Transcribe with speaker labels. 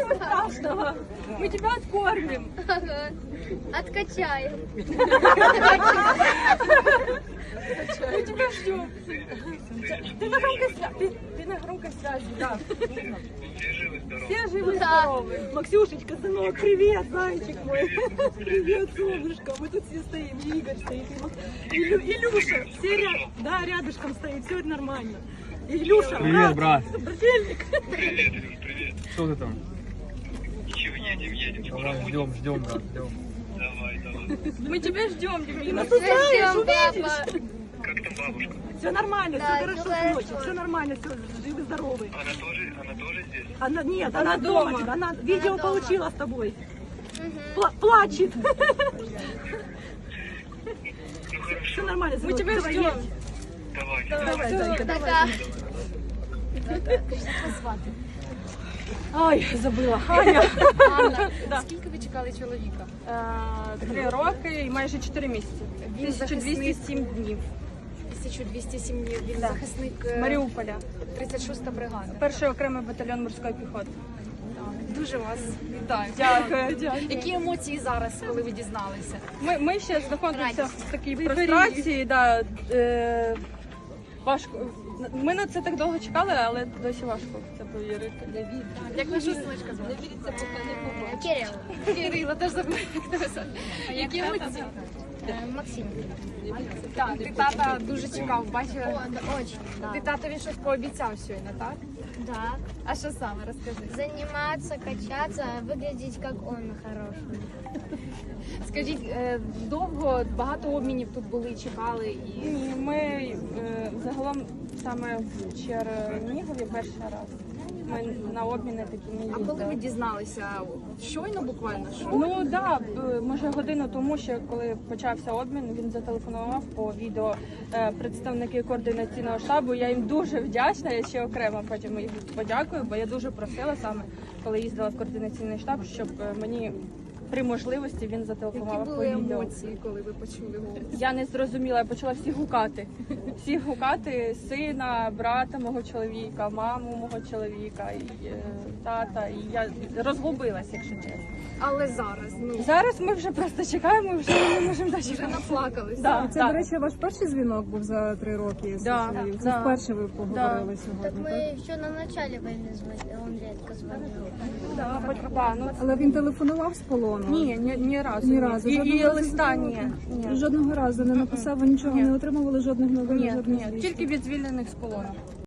Speaker 1: Ничего страшного. Мы тебя откормим.
Speaker 2: Ага. Откачаем.
Speaker 1: Мы тебя ждем. Ты на громкой связи. Ты на громкой связи, да. Все живы, здоровы. Максюшечка, сынок, привет, зайчик мой. Привет, солнышко. Мы тут все стоим. И Игорь стоит. И Илюша. Все да, рядышком стоит. Все нормально. И Илюша,
Speaker 3: Привет, брат.
Speaker 1: Брательник.
Speaker 4: Привет, Илюш, привет.
Speaker 3: Что ты там?
Speaker 4: Ничего, едем.
Speaker 3: Давай, ждем, брат, ждем.
Speaker 4: Давай.
Speaker 1: Мы тебя ждем, Демина.
Speaker 2: Ждем, папа.
Speaker 4: Как там бабушка?
Speaker 1: Все нормально,
Speaker 2: Да,
Speaker 1: все хорошо,
Speaker 2: всё хорошо.
Speaker 1: сыночек. Все нормально, все живы, здоровы.
Speaker 4: Она тоже здесь?
Speaker 1: Она, нет, она дома. Она видео
Speaker 2: дома.
Speaker 1: получила с тобой.
Speaker 2: Мгм.
Speaker 1: Плачет.
Speaker 4: Ну хорошо,
Speaker 1: Все нормально,
Speaker 5: Мы тебя
Speaker 1: давай,
Speaker 5: ждем.
Speaker 1: едь.
Speaker 4: давай.
Speaker 1: Давай, зайка, давай.
Speaker 2: Пока.
Speaker 1: Ой, забыла. Аня.
Speaker 5: Анна, скільки ви чекали чоловіка?
Speaker 1: 3 роки і майже 4 місяці.
Speaker 5: Він
Speaker 1: 1207 днів.
Speaker 5: 1207 днів. Він захисник
Speaker 1: З Маріуполя.
Speaker 5: 36-та бригада.
Speaker 1: Перший окремий батальйон морської піхоти.
Speaker 5: Дуже вас вітаю.
Speaker 1: Дякую.
Speaker 5: Які емоції зараз, коли ви дізналися?
Speaker 1: Ми ще знаходимося
Speaker 5: Радість.
Speaker 1: в такій прострації. Да, важко. Ми на це так довго чекали, але досі важко в це повірити.
Speaker 5: Як ваша синочка звати?
Speaker 2: Кирилл.
Speaker 5: Кирила, теж забула, як тебе звати. Які емоції?
Speaker 2: Максим.
Speaker 5: Так, ти тата дуже чекав, бачила?
Speaker 2: О, да, очень.
Speaker 5: Ти татові щось пообіцяв щойно, так?
Speaker 2: Да.
Speaker 5: А що саме, розкажи.
Speaker 2: Заниматься, качаться, выглядеть как он хороший.
Speaker 5: Скажіть, довго, багато обмінів тут були, чекали і...
Speaker 1: Ні, ми загалом саме в Чернігові перший раз. Ми на обміни такі не
Speaker 5: А коли ви
Speaker 1: їздили.
Speaker 5: дізналися? Щойно буквально? Що?
Speaker 1: Ну так, може годину тому, що коли почався обмін, він зателефонував по відео представники координаційного штабу. Я їм дуже вдячна, я ще окремо потім їх подякую, бо я дуже просила саме, коли їздила в координаційний штаб, щоб мені при можливості він
Speaker 5: Які
Speaker 1: зателефонував по
Speaker 5: були
Speaker 1: відео.
Speaker 5: емоції, коли ви почули голос?
Speaker 1: Я не зрозуміла, я почала всіх гукати. Всіх гукати, сина, брата мого чоловіка, маму мого чоловіка, і, тата. І я розгубилась, якщо чесно.
Speaker 5: Але зараз,
Speaker 1: Зараз ми вже просто чекаємо, вже не можемо
Speaker 5: вже
Speaker 1: дочекати.
Speaker 5: наплакалися.
Speaker 1: Да,
Speaker 6: Це, до речі, ваш перший дзвінок був за 3 роки.
Speaker 1: Да,
Speaker 6: Це
Speaker 1: да.
Speaker 6: вперше ви поговорили
Speaker 2: Так
Speaker 6: сьогодні, так?
Speaker 2: мы еще на начале войны звонили, он редко звонил.
Speaker 1: Ну,
Speaker 6: Але він телефонував з полону?
Speaker 1: ні разу.
Speaker 6: Ні разу.
Speaker 1: І
Speaker 6: Жодного разу
Speaker 1: листа
Speaker 6: не
Speaker 1: ні.
Speaker 6: було?
Speaker 1: Ні.
Speaker 6: Жодного разу не написав, ви нічого
Speaker 1: Ні.
Speaker 6: не отримували, жодних новин,
Speaker 1: Ні,
Speaker 6: жодних
Speaker 1: ні,
Speaker 6: звісток?
Speaker 1: тільки від звільнених з полону.